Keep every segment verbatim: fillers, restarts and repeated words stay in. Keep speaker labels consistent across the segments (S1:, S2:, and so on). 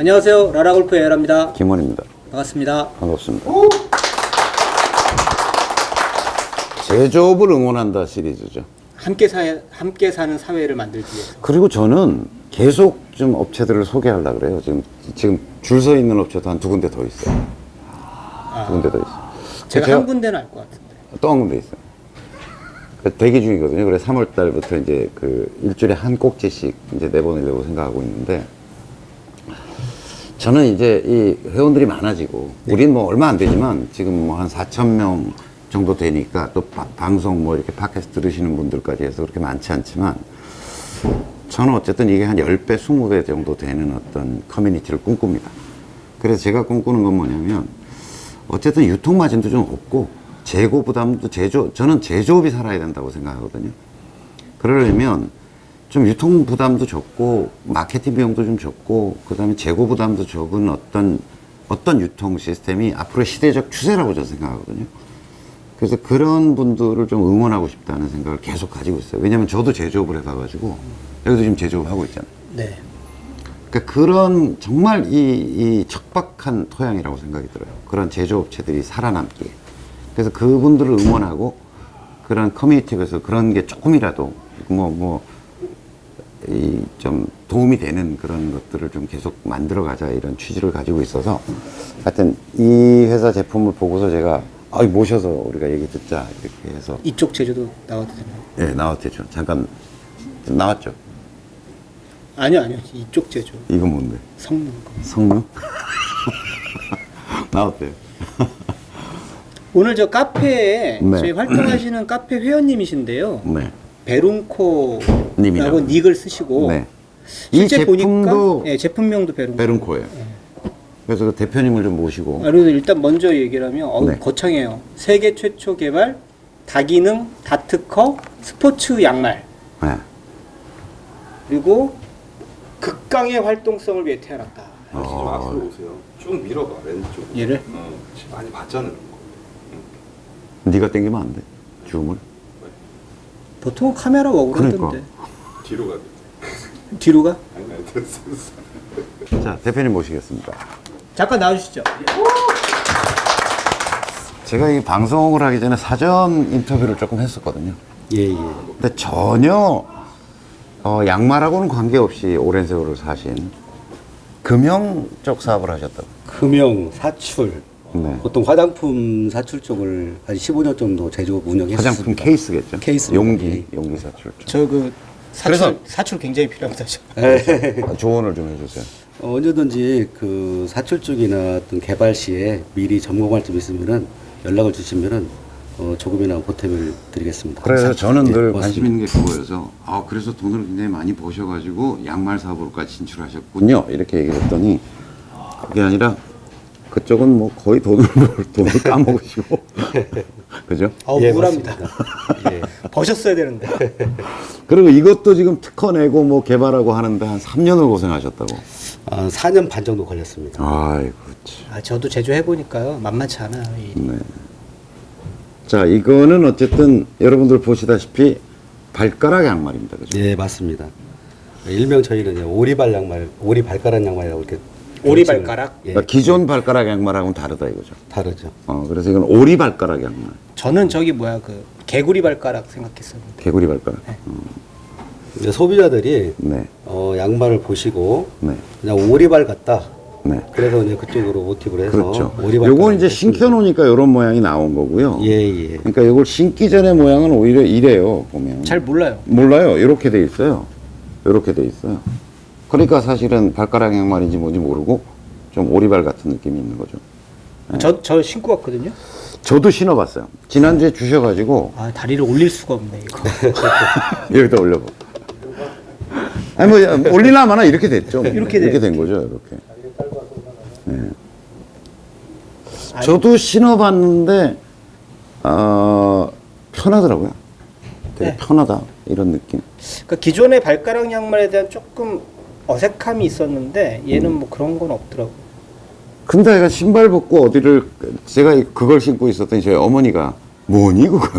S1: 안녕하세요. 라라골프의 에라입니다.
S2: 김원입니다.
S1: 반갑습니다.
S2: 반갑습니다. 제조업을 응원한다 시리즈죠.
S1: 함께 사 함께 사는 사회를 만들기 위해서.
S2: 그리고 저는 계속 좀 업체들을 소개하려고 그래요. 지금 지금 줄 서 있는 업체도 한 두 군데 더 있어요.
S1: 아,
S2: 두 군데 더 있어요.
S1: 제가, 제가 한 군데는 알 것 같은데.
S2: 또 한 군데 있어요. 대기 중이거든요. 그래서 삼월 달부터 이제 그 일주일에 한 꼭지씩 이제 내보내려고 생각하고 있는데, 저는 이제 이 회원들이 많아지고, 네. 우린 뭐 얼마 안 되지만 지금 뭐 한 사천 명 정도 되니까 또 바, 방송 뭐 이렇게 팟캐스트 들으시는 분들까지 해서 그렇게 많지 않지만, 저는 어쨌든 이게 한 십 배, 이십 배 정도 되는 어떤 커뮤니티를 꿈꿉니다. 그래서 제가 꿈꾸는 건 뭐냐면, 어쨌든 유통 마진도 좀 없고, 재고 부담도 제조, 저는 제조업이 살아야 된다고 생각하거든요. 그러려면 좀 유통 부담도 적고, 마케팅 비용도 좀 적고, 그 다음에 재고 부담도 적은 어떤, 어떤 유통 시스템이 앞으로의 시대적 추세라고 저는 생각하거든요. 그래서 그런 분들을 좀 응원하고 싶다는 생각을 계속 가지고 있어요. 왜냐면 저도 제조업을 해봐가지고, 여기도 지금 제조업 하고 있잖아요.
S1: 네.
S2: 그러니까 그런 정말 이, 이 척박한 토양이라고 생각이 들어요. 그런 제조업체들이 살아남기에. 그래서 그분들을 응원하고 그런 커뮤니티에서 그런 게 조금이라도 뭐, 뭐, 이 좀 도움이 되는 그런 것들을 좀 계속 만들어 가자 이런 취지를 가지고 있어서 하여튼 이 회사 제품을 보고서 제가 아, 모셔서 우리가 얘기 듣자 이렇게 해서
S1: 이쪽 제조도 나와도 되나요?
S2: 네, 나왔죠. 잠깐 나왔죠.
S1: 아니요, 아니요. 이쪽 제조.
S2: 이건 뭔데?
S1: 성능 거.
S2: 성능? 나왔대요.
S1: 오늘 저 카페에
S2: 네.
S1: 저희 활동하시는 카페 회원님이신데요.
S2: 네.
S1: 베룬코라고
S2: 님이라고.
S1: 닉을 쓰시고
S2: 네. 이
S1: 실제
S2: 제품도
S1: 보니까 네, 제품명도 베룬코.
S2: 베룬코예요.
S1: 네.
S2: 그래서 그 대표님을 좀 모시고.
S1: 아, 그래서 일단 먼저 얘기를 하면 어우,
S2: 네.
S1: 거창해요. 세계 최초 개발 다기능 다트커 스포츠 양말.
S2: 네.
S1: 그리고 극강의 활동성을 위해 태어났다.
S2: 어.
S3: 좀 앞으로 오세요. 쭉 밀어봐 왼쪽.
S1: 얘를?
S3: 어, 많이 봤잖아. 그런 거.
S2: 네가 땡기면 안 돼. 줌을.
S1: 보통 카메라 워크를
S2: 그러니까.
S1: 하던데.
S3: 뒤로 가.
S1: 뒤로 가?
S3: 아니 아니 됐어 됐어.
S2: 자, 대표님 모시겠습니다.
S1: 잠깐 나와주시죠.
S2: 제가 이 방송을 하기 전에 사전 인터뷰를 조금 했었거든요.
S1: 예, 예.
S2: 근데 전혀 어, 양말하고는 관계없이 오랜 세월을 사신 금형 쪽 사업을 하셨다고.
S4: 금형, 사출,
S2: 네.
S4: 보통 화장품 사출 쪽을 한 십오 년 정도 제조업 운영했습니다.
S2: 화장품 케이스겠죠?
S4: 케이스입니다.
S2: 용기, 용기 사출 쪽.
S1: 저 그 사출,
S2: 그래서-
S1: 사출 굉장히 필요합니다. 저.
S2: 아, 조언을 좀 해주세요.
S4: 어, 언제든지 그 사출 쪽이나 어떤 개발 시에 미리 점검할 점 있으면은 연락을 주시면은 어, 조금이나 보탬을 드리겠습니다.
S2: 그래서
S4: 사출.
S2: 저는
S4: 예,
S2: 늘
S4: 고맙습니다.
S2: 관심 있는 게 그거여서 아 그래서 돈을 굉장히 많이 버셔가지고 양말 사업으로까지 진출하셨군요 이렇게 얘기를 했더니 그게 아니라 그쪽은 뭐 거의 돈을 벌- 돈을 까먹으시고 그죠?
S1: 어우,
S4: 예,
S1: 우울합니다.
S4: 예.
S1: 버셨어야 되는데.
S2: 그리고 이것도 지금 특허 내고 뭐 개발하고 하는데 한 삼 년을 고생하셨다고.
S4: 아, 사 년 반 정도 걸렸습니다.
S2: 아이고 참.
S1: 아, 저도 제조해보니까요. 만만치 않아요. 이.
S2: 네. 자 이거는 어쨌든 여러분들 보시다시피 발가락 양말입니다, 그죠?
S4: 예, 맞습니다. 일명 저희는 이제 오리발 양말, 오리 발가락 양말이라고 이렇게
S1: 오리
S4: 명칭을-
S1: 발가락?
S4: 예,
S2: 그러니까 기존 발가락 양말하고는 다르다 이거죠.
S4: 다르죠.
S2: 어 그래서 이건 오리 발가락 양말,
S1: 저는 저기 뭐야 그 개구리 발가락 생각했었는데.
S2: 개구리 발가락.
S4: 이제 소비자들이
S2: 네,
S4: 어, 양말을 보시고
S2: 네,
S4: 그냥 오리발 같다.
S2: 네.
S4: 그래서 이제 그쪽으로 모티브를 해서
S2: 그렇죠.
S4: 오리발.
S2: 요건 이제 신겨놓으니까 이런 모양이 나온 거고요.
S4: 예, 예.
S2: 그러니까 이걸 신기 전의 모양은 오히려 이래요, 보면.
S1: 잘 몰라요.
S2: 몰라요. 이렇게 돼 있어요. 이렇게 돼 있어요. 그러니까 사실은 발가락 양말인지 뭔지 모르고 좀 오리발 같은 느낌이 있는 거죠.
S1: 저, 저 신고 왔거든요.
S2: 저도 신어봤어요. 지난주에 주셔가지고
S1: 아, 다리를 올릴 수가 없네, 이거.
S2: 여기다 올려봐. 아니 뭐 올리나 마나 이렇게 됐죠.
S1: 이렇게
S2: 이렇게
S1: 돼요.
S2: 된 거죠. 이렇게. 네.
S1: 아니,
S2: 저도 신어봤는데 어, 편하더라고요. 되게
S1: 네.
S2: 편하다 이런 느낌.
S1: 그러니까 기존의 발가락 양말에 대한 조금 어색함이 있었는데 얘는 뭐 그런 건 없더라고.
S2: 근데 애가 신발 벗고 어디를 제가 그걸 신고 있었더니 저희 어머니가 뭐니 그건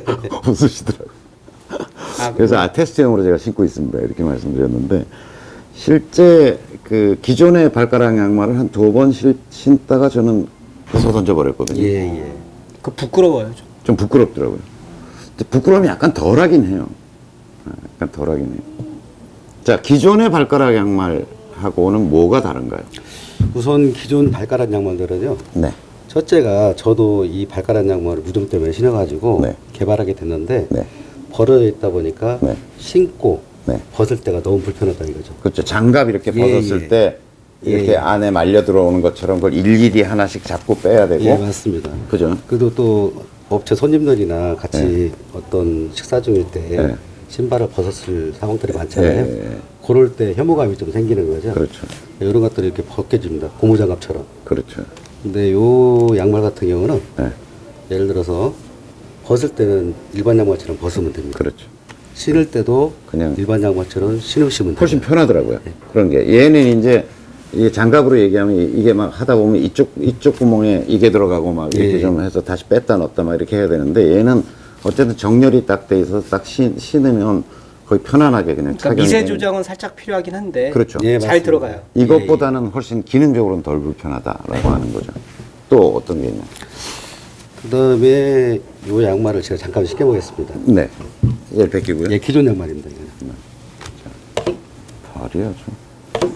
S2: 웃으시더라고요.
S1: 아,
S2: 그래서 아 테스트용으로 제가 신고 있습니다 이렇게 말씀드렸는데 실제 그 기존의 발가락 양말을 한 두 번 신다가 저는 벗어 던져버렸거든요.
S4: 예, 예.
S1: 그 부끄러워요. 좀.
S2: 좀 부끄럽더라고요. 근데 부끄러움이 약간 덜하긴 해요. 아, 약간 덜하긴 해요. 자, 기존의 발가락 양말하고는 뭐가 다른가요?
S4: 우선 기존 발가락 양말들은요.
S2: 네.
S4: 첫째가 저도 이 발가락 양말을 무좀 때문에 신어가지고
S2: 네.
S4: 개발하게 됐는데
S2: 네.
S4: 벌어져 있다 보니까
S2: 네.
S4: 신고
S2: 네.
S4: 벗을 때가 너무 불편하다 이거죠.
S2: 그렇죠. 장갑 이렇게
S4: 예,
S2: 벗었을
S4: 예.
S2: 때 이렇게
S4: 예, 예.
S2: 안에 말려 들어오는 것처럼 그걸 일일이 하나씩 잡고 빼야 되고.
S4: 예, 맞습니다.
S2: 그죠?
S4: 그리고 또 업체 손님들이나 같이
S2: 네.
S4: 어떤 식사 중일 때
S2: 네.
S4: 신발을 벗었을 상황들이 많잖아요.
S2: 예, 예.
S4: 그럴 때 혐오감이 좀 생기는 거죠.
S2: 그렇죠.
S4: 이런 것들이 이렇게 벗겨집니다. 고무장갑처럼.
S2: 그렇죠.
S4: 근데 요 양말 같은 경우는
S2: 네.
S4: 예를 들어서 벗을 때는 일반 양말처럼 벗으면 됩니다.
S2: 그렇죠.
S4: 신을 때도
S2: 그냥
S4: 일반 양말처럼 신으시면 돼요.
S2: 훨씬 편하더라고요. 그런 게. 얘는 이제 이게 장갑으로 얘기하면 이게 막 하다 보면 이쪽, 이쪽 구멍에 이게 들어가고 막 이렇게
S4: 예.
S2: 좀 해서 다시 뺐다 넣었다 막 이렇게 해야 되는데 얘는 어쨌든 정렬이 딱 돼 있어서 딱 신, 신으면 거의 편안하게 그냥
S1: 그러니까
S2: 착용이
S1: 미세
S2: 되는-
S1: 조정은 살짝 필요하긴 한데
S2: 그렇죠.
S4: 예,
S1: 잘
S4: 맞습니다.
S1: 들어가요.
S2: 이것보다는 훨씬 기능적으로는 덜 불편하다라고 하는 거죠. 또 어떤 게 있냐?
S4: 그 다음에 요 양말을 제가 잠깐 신겨보겠습니다.
S2: 네. 얘를 벗기고요.
S4: 예, 기존 양말입니다. 이거는.
S2: 발이야, 좀.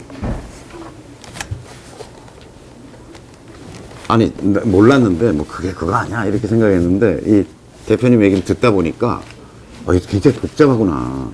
S2: 아니, 나 몰랐는데, 뭐, 그게 그거 아니야. 이렇게 생각했는데, 이 대표님 얘기를 듣다 보니까, 어, 이게 굉장히 복잡하구나.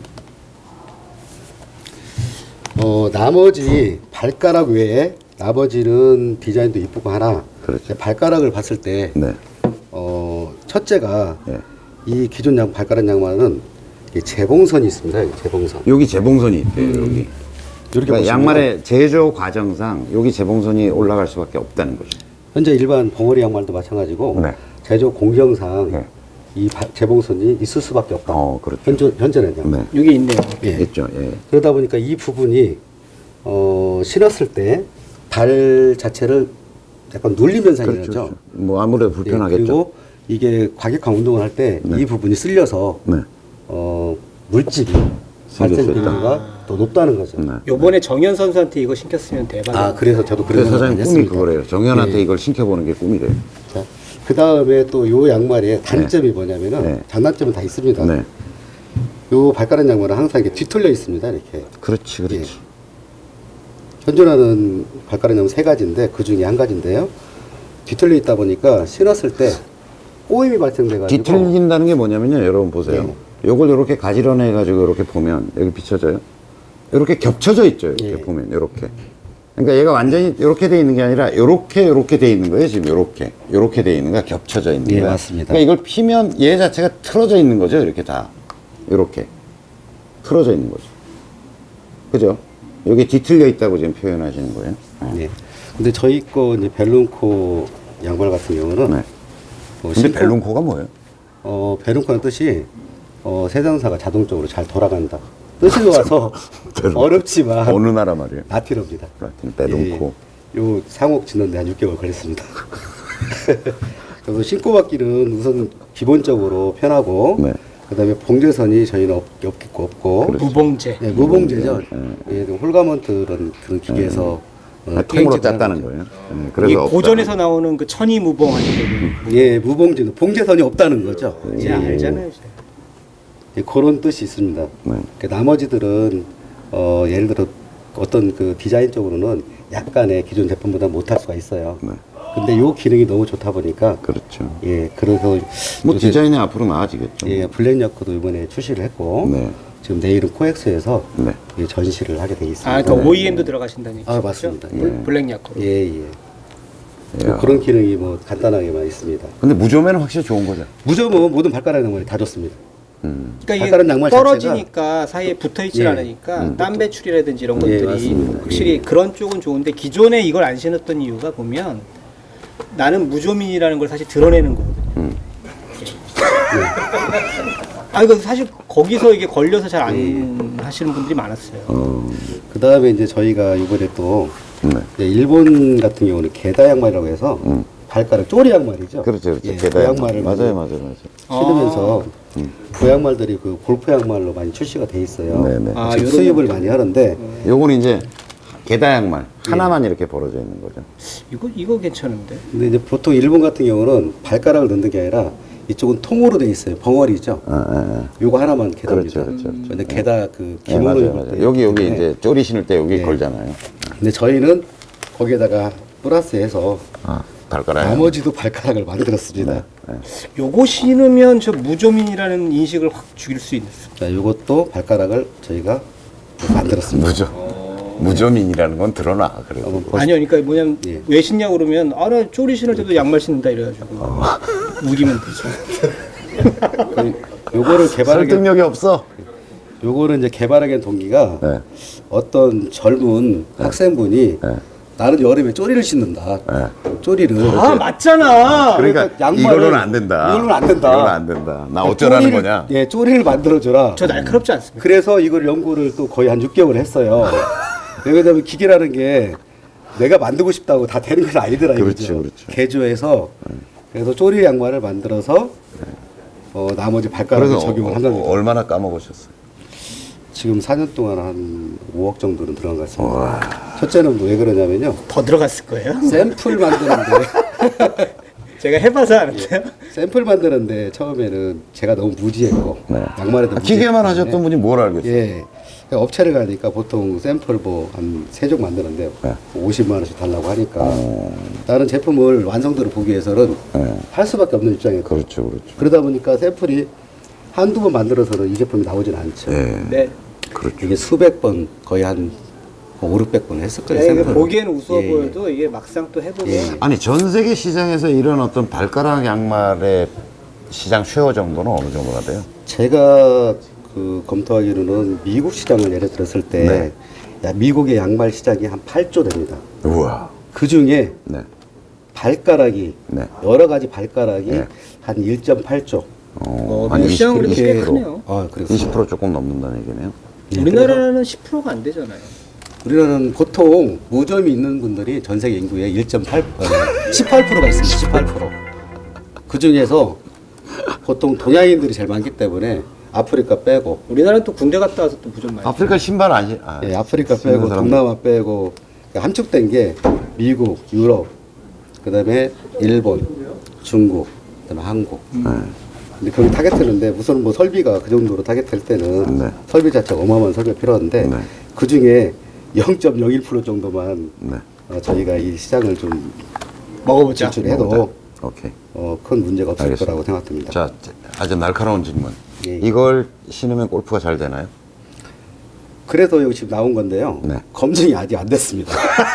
S4: 어, 나머지 발가락 외에 나머지는 디자인도 이쁘고 하나.
S2: 그렇죠.
S4: 발가락을 봤을 때,
S2: 네.
S4: 어, 첫째가
S2: 네.
S4: 이 기존 양, 발가락 양말은 이 재봉선이 있습니다. 이 재봉선.
S2: 여기 재봉선이 있대요, 여기.
S4: 이렇게
S2: 그러니까
S4: 보시면
S2: 양말의 제조 과정상 여기 재봉선이 올라갈 수밖에 없다는 거죠.
S4: 현재 일반 벙어리 양말도 마찬가지고
S2: 네.
S4: 제조 공정상
S2: 네.
S4: 이 바- 재봉선이 있을 수밖에 없다.
S2: 어, 그렇죠.
S4: 현재, 현재는요.
S2: 네.
S1: 여기 있네요.
S4: 예.
S2: 있죠, 예.
S4: 그러다 보니까 이 부분이 어, 신었을 때 발 자체를 약간 눌리면서 생기죠.
S2: 그렇죠. 그렇죠. 뭐, 아무래도 불편하겠죠.
S4: 예, 그리고 이게 과격한 운동을 할 때 이
S2: 네.
S4: 부분이 쓸려서
S2: 네.
S4: 어, 물집이
S2: 생길
S4: 발생
S2: 수 있다.
S4: 비율가 더 높다는 거죠.
S2: 네.
S1: 요번에 정현 선수한테 이거 신겼으면 대박이에요.
S4: 아, 그래서 저도
S2: 그래서
S4: 그런
S2: 사장님
S4: 생각을
S2: 꿈이
S4: 했습니다.
S2: 그거래요. 정현한테
S4: 예.
S2: 이걸 신켜보는 게 꿈이래요.
S4: 자, 그 다음에 또 요 양말의 단점이 뭐냐면은
S2: 네.
S4: 장단점은 다 있습니다.
S2: 네.
S4: 요 발가락 양말은 항상 이렇게 뒤틀려 있습니다. 이렇게.
S2: 그렇지, 그렇지.
S4: 예. 현존하는 발가락 양말 세 가지인데 그 중에 한 가지인데요. 뒤틀려 있다 보니까 신었을 때 꼬임이 발생돼가지고
S2: 뒤틀린다는 게 뭐냐면요. 여러분 보세요.
S4: 네.
S2: 요걸 이렇게 가지런해가지고 이렇게 보면 여기 비춰져요. 이렇게 겹쳐져 있죠. 이렇게
S4: 예.
S2: 보면 이렇게. 그러니까 얘가 완전히 이렇게 돼 있는 게 아니라 이렇게 이렇게 돼 있는 거예요. 지금 이렇게 이렇게 돼 있는 거야. 겹쳐져 있는
S4: 예,
S2: 거야.
S4: 맞습니다.
S2: 그러니까 이걸 피면 얘 자체가 틀어져 있는 거죠. 이렇게 다 이렇게 틀어져 있는 거죠. 그죠? 여기 뒤틀려 있다고 지금 표현하시는 거예요.
S4: 네. 근데 저희 거 이제 벨룬코 양말 같은 경우는
S2: 네.
S4: 어,
S2: 근데
S4: 신고-
S2: 벨룬코가 뭐예요?
S4: 어, 벨룬코는 뜻이 어, 세상사가 자동적으로 잘 돌아간다. 뜻이 좋아서
S2: 벨룬코.
S4: 어렵지만
S2: 어느 나라 말이에요?
S4: 라틴어입니다.
S2: 라틴 벨룬코.
S4: 예, 요 상옥 짓는데 한 육 개월 걸렸습니다. 그래서 신고 받기는 우선 기본적으로 편하고
S2: 네.
S4: 그다음에 봉제선이 저희는 없, 없겠고 없고
S2: 그렇죠.
S1: 무봉제.
S4: 네, 무봉제죠. 예, 홀가먼트 그런 그런 기계에서 어,
S2: 아, 통으로
S4: 통행제를
S2: 짰다는
S4: 하는
S2: 거예요. 네,
S1: 이
S2: 그래서 없다.
S1: 고전에서 나오는 그 천이 무봉하는
S4: 거죠. 예, 무봉제 봉제선이 없다는 거죠.
S1: 거 이제
S4: 예,
S1: 알잖아요. 이제.
S4: 예, 그런 뜻이 있습니다.
S2: 네.
S4: 그 나머지들은 어, 예를 들어 어떤 그 디자인적으로는 약간의 기존 제품보다 못할 수가 있어요.
S2: 네.
S4: 근데 요 기능이 너무 좋다 보니까
S2: 그렇죠.
S4: 예, 그래서
S2: 뭐
S4: 요새,
S2: 디자인이 앞으로 나아지겠죠.
S4: 예, 블랙 야크도 이번에 출시를 했고
S2: 네.
S4: 지금 내일은 코엑스에서
S2: 네.
S4: 예, 전시를 하게 돼 있습니다.
S1: 아, 그러니까 오이엠도 들어가신다는 얘기죠.
S4: 아, 맞습니다.
S1: 블-
S4: 예.
S1: 블랙 야크로.
S4: 예, 예.
S2: 예.
S4: 뭐 그런 기능이 뭐 간단하게만 있습니다.
S2: 근데 무좀에는 확실히 좋은 거죠.
S4: 무조건 모든 발가락 양말이 다 좋습니다.
S2: 음.
S1: 그러니까
S4: 발가락
S1: 이게
S4: 양말
S1: 떨어지니까 사이에 붙어 있질
S4: 예.
S1: 않으니까 땀 배출이라든지 이런
S4: 예,
S1: 것들이
S4: 맞습니다.
S1: 확실히
S4: 예.
S1: 그런 쪽은 좋은데 기존에 이걸 안 신었던 이유가 보면 나는 무조민이라는 걸 사실 드러내는 거거든요.
S2: 음.
S1: 아 이거 사실 거기서 이게 걸려서 잘 안 하시는 분들이 많았어요.
S2: 어.
S4: 그 다음에 이제 저희가 이번에 또
S2: 네.
S4: 이제 일본 같은 경우는 게다 양말이라고 해서
S2: 음.
S4: 발가락 쪼리 양말이죠.
S2: 그렇죠, 그렇죠.
S4: 예,
S2: 게다
S4: 그
S2: 양말.
S4: 양말을
S2: 맞아요, 맞아요, 맞아요.
S4: 신으면서 그 양말들이 그 골프 양말로 많이 출시가 돼 있어요.
S2: 네네.
S1: 아,
S4: 지금
S1: 요런
S4: 수입을 많이 하는데
S2: 요거는 이제 게다 양말 하나만 이렇게 벌어져 있는 거죠.
S1: 이거 이거 괜찮은데.
S4: 근데 이제 보통 일본 같은 경우는 발가락을 넣는 게 아니라 이쪽은 통으로 돼 있어요. 벙어리죠.
S2: 아, 아, 아.
S4: 요거 하나만 게다입니다.
S2: 그렇죠, 그렇죠, 그렇죠.
S4: 근데 게다 그
S2: 네,
S4: 기모노
S2: 맞아요,
S4: 입을
S2: 맞아요.
S4: 때
S2: 여기 여기
S4: 때문에.
S2: 이제 쪼리 신을 때 여기
S4: 네.
S2: 걸잖아요.
S4: 근데 저희는 거기에다가 플러스해서
S2: 아, 발가락.
S4: 나머지도 발가락을 만들었습니다.
S2: 네.
S1: 요거 신으면 저 무좀인이라는 인식을 확 죽일 수 있는.
S4: 자, 요것도 발가락을 저희가 만들었습니다.
S2: 무좀 무좀인이라는 건 드러나 그래도.
S4: 한번 보시-
S1: 아니요, 그러니까 뭐냐면
S4: 예.
S1: 왜 신냐 그러면 아 나 쪼리 신을 때도 양말 신는다 이래가지고 우기면 되죠.
S4: 그 요거를 개발하게
S2: 설득력이 없어.
S4: 요거를 이제 개발하게 된 동기가
S2: 네.
S4: 어떤 젊은 학생분이
S2: 네.
S4: 나는 여름에 쪼리를 신는다.
S2: 네.
S4: 쪼리를
S1: 아 맞잖아.
S2: 그러니까
S4: 양말을-
S2: 이걸로는 안 된다.
S4: 이걸로는 안 된다.
S2: 이걸로는 안 된다. 나 어쩌라는
S4: 쪼리를-
S2: 거냐?
S4: 예, 쪼리를 만들어줘라.
S1: 저 날카롭지 않습니까?
S4: 그래서 이걸 연구를 또 거의 한 육 개월 했어요. 왜냐면 기계라는 게 내가 만들고 싶다고 다 되는 건 아니더라.
S2: 그렇죠,
S4: 이거죠.
S2: 그렇죠.
S4: 개조해서 그래서 쪼리 양말을 만들어서 어, 나머지 발가락을
S2: 그래서
S4: 적용을
S2: 어,
S4: 한 겁니다.
S2: 얼마나 까먹으셨어요?
S4: 지금 사 년 동안 한 오억 정도는 들어간 것 같습니다. 첫째는 왜 그러냐면요.
S1: 더 들어갔을 거예요.
S4: 샘플 만드는데
S1: 제가 해봐서 알았어요.
S4: 샘플 만드는데 처음에는 제가 너무 무지했고
S2: 네.
S4: 양말에도
S2: 아, 기계만
S4: 무지했기
S2: 하셨던
S4: 때문에
S2: 분이 뭘 알겠어요?
S4: 예. 그러니까 업체를 가니까 보통 샘플 뭐 한 세 종 만드는데
S2: 네.
S4: 오십만 원씩 달라고 하니까 다른 제품을 완성도를 보기 위해서는
S2: 네.
S4: 할 수밖에 없는 입장이에요.
S2: 그렇죠, 그렇죠.
S4: 그러다 보니까 샘플이 한두 번 만들어서는 이 제품이 나오진 않죠.
S2: 예.
S1: 네.
S2: 그렇죠.
S4: 이게 수백 번, 거의 한 오륙백 번 했을 거예요.
S1: 네, 이게
S4: 샘플을.
S1: 보기에는 우스워
S4: 예, 예.
S1: 보여도 이게 막상 또 해보면
S4: 예.
S2: 아니 전 세계 시장에서 이런 어떤 발가락 양말의 시장 쉐어 정도는 어느 정도가 돼요?
S4: 제가 그 검토하기로는 미국 시장을 예를 들었을 때
S2: 네.
S4: 야, 미국의 양말 시장이 한 팔 조 됩니다.
S2: 우와.
S4: 그 중에
S2: 네.
S4: 발가락이
S2: 네.
S4: 여러 가지 발가락이
S2: 네.
S4: 한 일 점 팔 조.
S1: 어,
S2: 한
S1: 미국 시장은
S2: 이십,
S1: 그래도 꽤
S2: 이십 퍼센트.
S1: 크네요.
S4: 아, 그래서
S2: 이십 퍼센트 조금 넘는다는 얘기네요.
S4: 예,
S1: 우리나라는 십 퍼센트가 안 되잖아요.
S4: 우리나라는 보통 무좀이 있는 분들이 전 세계 인구의 일 점 팔, 어, 십팔 퍼센트가 있습니다. 십팔 퍼센트. 그 중에서 보통 동양인들이 제일 많기 때문에 아프리카 빼고,
S1: 우리나라는 또 군대 갔다 와서 또 무좀 많이.
S2: 아프리카 신발 안 신. 아,
S4: 예, 아프리카
S2: 신는
S4: 빼고,
S2: 사람들.
S4: 동남아 빼고, 그러니까 함축된 게 미국, 유럽, 그 다음에 일본, 중국, 그 다음에 한국.
S2: 네.
S4: 근데 거기 타겟했는데 우선 뭐 설비가 그 정도로 타겟할 때는
S2: 네.
S4: 설비 자체가 어마어마한 설비가 필요한데
S2: 네.
S4: 그 중에 영 점 영일 퍼센트 정도만
S2: 네.
S4: 어, 저희가 이 시장을 좀
S1: 먹어보자.
S4: 진출해도
S2: 오케이.
S4: 어, 큰 문제가 없을
S2: 알겠습니다.
S4: 거라고 생각됩니다.
S2: 자, 아주 날카로운 질문.
S4: 예, 예.
S2: 이걸 신으면 골프가 잘 되나요?
S4: 그래서 여기 지금 나온 건데요.
S2: 네.
S4: 검증이 아직 안 됐습니다.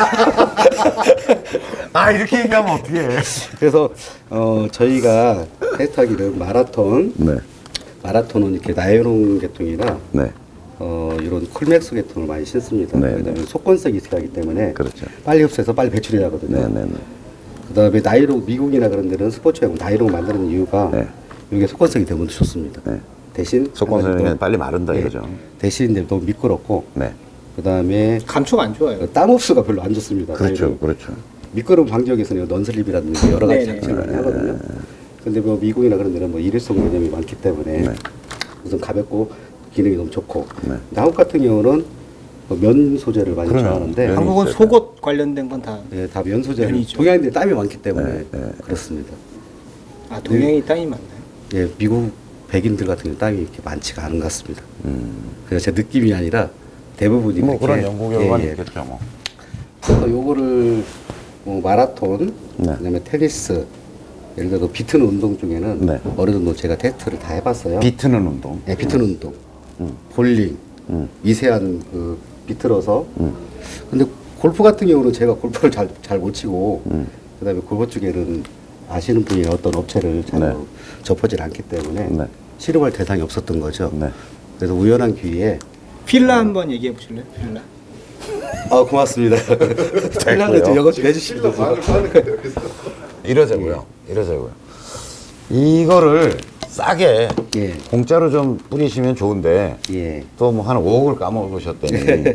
S2: 아, 이렇게 얘기하면 어떡해.
S4: 그래서 어, 저희가 테스트하기를 마라톤,
S2: 네.
S4: 마라톤은 이렇게 나일론 계통이나
S2: 네.
S4: 어, 이런 쿨맥스 계통을 많이 신습니다.
S2: 네,
S4: 왜냐하면
S2: 네.
S4: 속건성이 있어야 하기 때문에
S2: 그렇죠.
S4: 빨리 흡수해서 빨리 배출이 나거든요.
S2: 네, 네, 네.
S4: 그다음에 나이롱 미국이나 그런 데는 스포츠용 나이롱 만드는 이유가
S2: 네.
S4: 이게 속건성이 되면 좋습니다.
S2: 네.
S4: 대신
S2: 속건성이
S4: 한 가지 또,
S2: 빨리 마른다
S4: 네.
S2: 이거죠.
S4: 대신 이제 너무 미끄럽고
S2: 네.
S4: 그다음에
S1: 감촉 안 좋아요.
S4: 땀 흡수가 별로 안 좋습니다.
S2: 그렇죠.
S4: 나이롱.
S2: 그렇죠.
S4: 미끄러움 방지하기 위해서는 넌슬립이라든지 여러 가지
S1: 네네.
S4: 장치를 많이 하거든요. 근데 뭐 미국이나 그런 데는 뭐 일회성 개념이 많기 때문에
S2: 네.
S4: 우선 가볍고 기능이 너무 좋고
S2: 네.
S4: 근데 한국 같은 경우는 뭐면 소재를 많이
S2: 그럼요.
S4: 좋아하는데
S2: 면이
S1: 한국은
S2: 있어요.
S1: 속옷 관련된 건 다.
S4: 예, 다 면 소재.
S1: 면이죠.
S4: 동양인들이 땀이 많기 때문에
S2: 네, 네.
S4: 그렇습니다.
S1: 아 동양이 땅이 많나요?
S4: 예, 미국 백인들 같은 경우 땀이 이렇게 많지가 않은 것 같습니다.
S2: 음.
S4: 그래서 제 느낌이 아니라 대부분이
S2: 뭐
S4: 그렇게,
S2: 그런 연구 결과는
S4: 예, 예.
S2: 있겠죠, 뭐.
S4: 그래서 요거를 뭐 마라톤,
S2: 네.
S4: 그다음에 테니스, 예를 들어 비트는 운동 중에는
S2: 네.
S4: 어느 정도 제가 테스트를 다 해봤어요.
S2: 비트는 운동.
S4: 네, 비트는 운동,
S2: 음.
S4: 볼링,
S2: 음.
S4: 미세한 그 비틀어서.
S2: 음.
S4: 근데 골프 같은 경우는 제가 골프를 잘 잘 못 치고,
S2: 음.
S4: 그다음에 골프 쪽에는 아시는 분이 어떤 업체를 잘
S2: 네.
S4: 접하지 않기 때문에
S2: 네.
S4: 실험할 대상이 없었던 거죠.
S2: 네.
S4: 그래서 우연한 기회에
S1: 필라 한번 얘기해 보실래요? 필라.
S4: 아 고맙습니다. 필라는 좀 영어 좀 해주시면
S3: 실로 반을 파는 거예요. 그래서
S2: 이러자고요. 이러자고요. 이거를 싸게
S4: 예.
S2: 공짜로 좀 뿌리시면 좋은데
S4: 예.
S2: 또 뭐 한 오억을 까먹으셨더니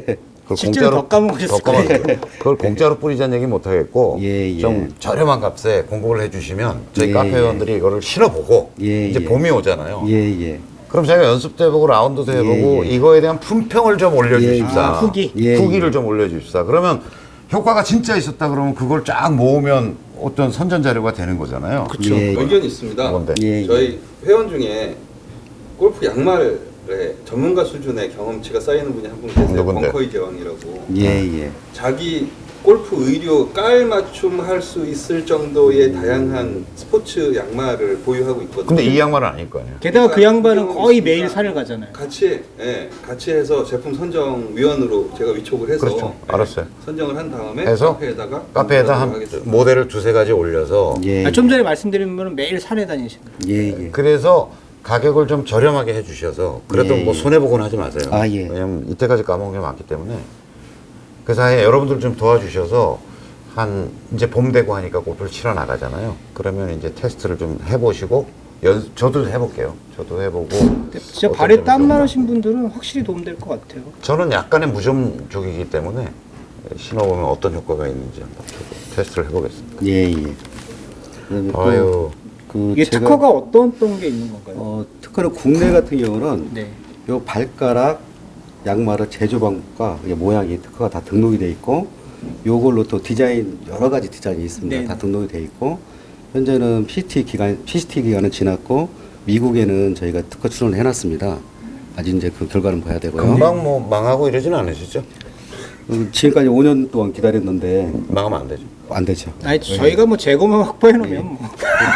S2: 그걸
S1: 실제로 더 까먹으셨을
S2: 더 까먹-
S1: 거예요.
S2: 그걸 공짜로 뿌리자는 얘기 못 하겠고
S4: 예, 예.
S2: 좀 저렴한 값에 공급을 해주시면 저희
S4: 예,
S2: 카페
S4: 예.
S2: 회원들이 이거를 신어보고
S4: 예,
S2: 이제
S4: 예.
S2: 봄이 오잖아요.
S4: 예, 예.
S2: 그럼 제가 연습도 해보고 라운드도 해보고
S4: 예, 예.
S2: 이거에 대한 품평을 좀 올려주십사.
S1: 아, 후기.
S4: 예,
S2: 후기를
S4: 예.
S2: 좀 올려주십사. 그러면 효과가 진짜 있었다 그러면 그걸 쫙 모으면 어떤 선전 자료가 되는 거잖아요.
S1: 그렇죠.
S4: 예, 예.
S3: 의견이 있습니다.
S2: 뭔데?
S4: 예, 예.
S3: 저희 회원 중에 골프 양말에 전문가 수준의 경험치가 쌓이는 분이 한 분 계세요.
S2: 누군데?
S3: 벙커이 제왕이라고.
S4: 예, 예.
S3: 자기 골프 의료 깔 맞춤 할 수 있을 정도의 다양한 스포츠 양말을 보유하고 있거든요.
S2: 근데 이 양말은 아닐 거 아니에요.
S1: 게다가 그 양반은
S3: 경험이
S1: 거의
S3: 있으니까
S1: 매일 산을 가잖아요.
S3: 같이 예, 같이 해서 제품 선정 위원으로 제가 위촉을 해서
S2: 그렇죠.
S3: 예,
S2: 알았어요.
S3: 선정을 한 다음에
S2: 해서
S3: 카페에다가
S2: 카페에다 한
S3: 하겠습니다.
S2: 모델을 두세 가지 올려서
S4: 예.
S1: 아, 좀 전에 말씀드린 분은 매일 산에 다니시는 거예요.
S4: 예, 예.
S2: 그래서 가격을 좀 저렴하게 해주셔서 그래도
S4: 예,
S2: 뭐
S4: 예.
S2: 손해보고는 하지 마세요.
S4: 아, 예.
S2: 왜냐면 이때까지 까먹은 게 많기 때문에 그 사이에 여러분들 좀 도와주셔서 한 이제 봄 되고 하니까 골프를 치러 나가잖아요. 그러면 이제 테스트를 좀 해보시고 연 저도 해볼게요. 저도 해보고
S1: 근데 진짜
S2: 어떤
S1: 발에
S2: 점이
S1: 땀
S2: 좋은가.
S1: 나신 분들은 확실히 도움될 것 같아요.
S2: 저는 약간의 무좀족이기 때문에 신어보면 어떤 효과가 있는지 한번 저도 테스트를 해보겠습니다.
S4: 예, 예. 그다음에 또
S2: 아유.
S4: 그
S1: 이게
S4: 제가
S1: 특허가 어떤 어떤 게 있는 건가요?
S4: 어, 특허는 국내 같은 경우는
S1: 네.
S4: 요 발가락 양말의 제조 방법과 이게 모양이 특허가 다 등록이 돼 있고 요걸로 또 디자인 여러 가지 디자인이 있습니다.
S1: 네.
S4: 다 등록이 돼 있고 현재는 피시티 기간 피시티 기간은 지났고 미국에는 저희가 특허 출원을 해놨습니다. 아직 이제 그 결과는 봐야 되고요.
S2: 금방 뭐 망하고 이러지는 않으시죠?
S4: 음, 지금까지 오 년 동안 기다렸는데
S2: 망하면 안 되죠.
S4: 안 되죠.
S1: 아니 저희가 뭐 재고만 확보해 놓으면
S2: 예.
S1: 뭐.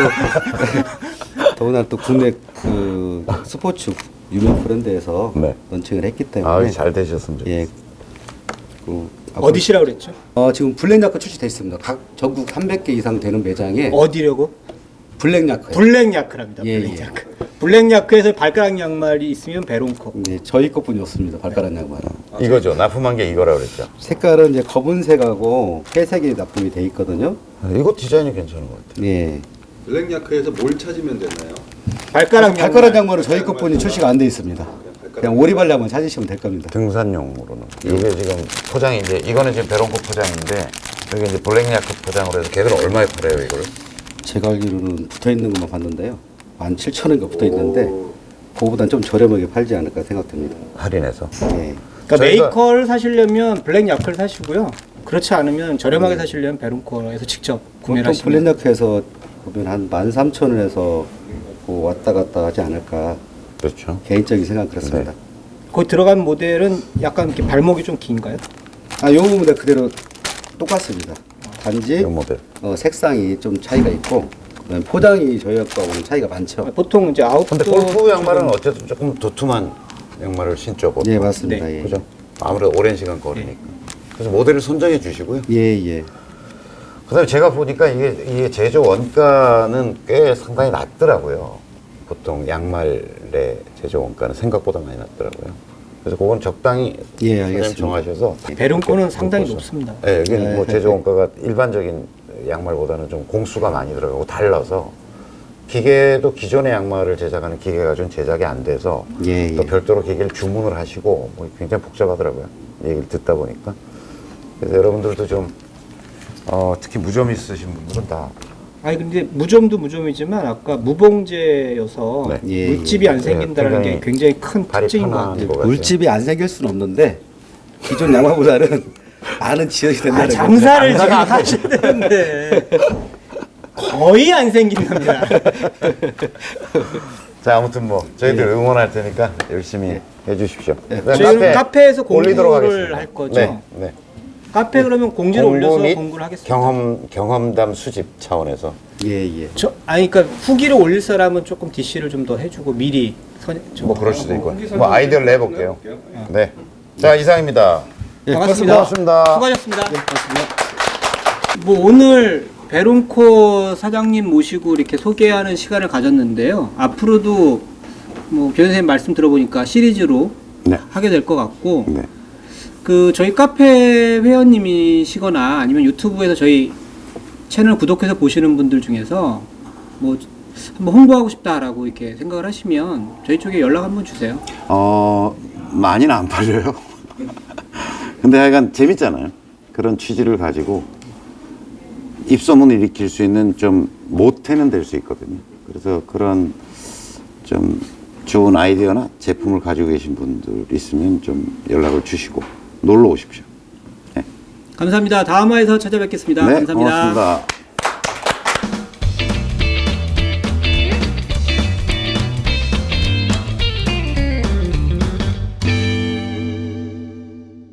S4: 더구나 또 국내 그 스포츠 유명 브랜드에서
S2: 네.
S4: 런칭을 했기 때문에
S2: 아유, 잘 되셨으면 좋겠어요.
S4: 예. 그
S1: 어디시라 그랬죠?
S4: 어, 지금 블랙야크 출시돼 있습니다. 각 전국 삼백 개 이상 되는 매장에
S1: 어디려고?
S4: 블랙야크.
S1: 블랙야크랍니다.
S4: 예,
S1: 블랙야크. 블랙야크에서 발가락 양말이 있으면 베론코.
S4: 네, 저희 것뿐이 없습니다. 발가락 양말은.
S2: 이거죠. 납품한 게 이거라 그랬죠.
S4: 색깔은 이제 검은색하고 회색이 납품이 돼 있거든요.
S2: 이거 디자인이 괜찮은 것 같아요.
S4: 예.
S3: 블랙야크에서 뭘 찾으면 되나요?
S1: 발가락 양말.
S4: 발가락 양말은 저희 것뿐이 출시가 안 돼 있습니다.
S3: 발가락
S4: 그냥 오리발 양말 찾으시면 될 겁니다.
S2: 등산용으로는. 이게 지금 포장이 이제 이거는 지금 베론코 포장인데 여기 이제 블랙야크 포장으로 해서 걔들 얼마에 팔아요 이거를?
S4: 제가 알기로는 붙어 있는 것만 봤는데요. 만 칠천 원가 붙어 있는데 그거보단 좀 저렴하게 팔지 않을까 생각됩니다.
S2: 할인해서.
S4: 예.
S1: 그러니까
S2: 저희가-
S1: 메이커를 사시려면 블랙야크를 사시고요. 그렇지 않으면 저렴하게 사시려면 베론코에서 직접 구매를
S4: 보통
S1: 하시면
S4: 블랙야크에서 보면 한 만 삼천 원에서 그 왔다 갔다 하지 않을까
S2: 그렇죠.
S4: 개인적인 생각 그렇습니다.
S2: 네.
S1: 거기 들어간 모델은 약간 이렇게 발목이 좀 긴가요?
S4: 아, 요 부분은 그대로 똑같습니다. 단지
S2: 이 모델.
S4: 어, 색상이 좀 차이가 있고 그다음에 포장이 저희 거하고는 차이가 많죠.
S1: 보통 이제 아웃도어
S2: 근데 골프 양말은 어쨌든 조금 도톰한 양말을 신죠. 보통.
S4: 예, 맞습니다.
S1: 네.
S4: 예.
S2: 그죠? 아무래도 오랜 시간 걸으니까. 그래서 모델을 선정해 주시고요.
S4: 예, 예.
S2: 그다음에 제가 보니까 이게, 이게 제조 원가는 꽤 상당히 낮더라고요. 보통 양말의 제조 원가는 생각보다 많이 낮더라고요. 그래서 그건 적당히
S4: 예,
S2: 선생님
S4: 알겠습니다.
S2: 정하셔서
S1: 베론코는 상당히
S2: 보셔.
S1: 높습니다.
S2: 네, 여기
S4: 네.
S2: 뭐 제조 원가가 일반적인 양말보다는 좀 공수가 많이 들어가고 달라서 기계도 기존의 양말을 제작하는 기계가 좀 제작이 안 돼서
S4: 예,
S2: 또
S4: 예.
S2: 별도로 기계를 주문을 하시고 뭐 굉장히 복잡하더라고요. 얘기를 듣다 보니까. 그래서 여러분들도 좀 어, 특히 무좀 있으신 분들은 다
S1: 아니 근데 무좀도 무좀이지만 아까 무봉제여서
S2: 네.
S4: 예,
S1: 물집이 안
S2: 예.
S1: 생긴다는
S2: 굉장히
S1: 게 굉장히 큰
S2: 발이
S1: 특징인 것
S2: 편한
S1: 같아요.
S2: 것 같아요.
S4: 물집이 안 생길 수는 없는데 기존 양말보다는 많은 지연이
S1: 아,
S4: 된다는
S1: 장사를 지금 하셔야 되는데 거의 안 생긴답니다.
S2: 자, 아무튼 뭐 저희들
S4: 예.
S2: 응원할 테니까 열심히 해주십시오. 네,
S1: 저희는 카페에서
S2: 올리도록
S1: 공구를
S2: 하겠습니다.
S1: 할 거죠?
S2: 네, 네.
S1: 카페 그러면 공지를
S2: 공구
S1: 올려서
S2: 및
S1: 공구를 하겠습니다.
S2: 경험 경험담 수집 차원에서
S4: 예, 예.
S1: 저 아니 그러니까 후기를 올릴 사람은 조금 디씨를 좀 더 해주고 미리 선, 저-
S2: 뭐 그럴 수도 있고
S3: 공기
S2: 뭐 아이디어를 내볼게요. 네, 자 이상입니다.
S4: 예,
S1: 반갑습니다.
S2: 고맙습니다.
S1: 수고하셨습니다. 뭐 오늘 베론코 사장님 모시고 이렇게 소개하는 시간을 가졌는데요. 앞으로도 뭐 변호사님 말씀 들어보니까 시리즈로
S2: 네.
S1: 하게 될 것 같고
S2: 네.
S1: 그 저희 카페 회원님이시거나 아니면 유튜브에서 저희 채널 구독해서 보시는 분들 중에서 뭐 한번 홍보하고 싶다라고 이렇게 생각을 하시면 저희 쪽에 연락 한번 주세요.
S2: 어 많이는 안 팔려요. 근데 하여간 재밌잖아요. 그런 취지를 가지고 입소문을 일으킬 수 있는 좀 모태는 될 수 있거든요. 그래서 그런 좀 좋은 아이디어나 제품을 가지고 계신 분들 있으면 좀 연락을 주시고 놀러 오십시오. 네,
S1: 감사합니다. 다음 화에서 찾아뵙겠습니다.
S2: 네
S1: 감사합니다.
S2: 고맙습니다.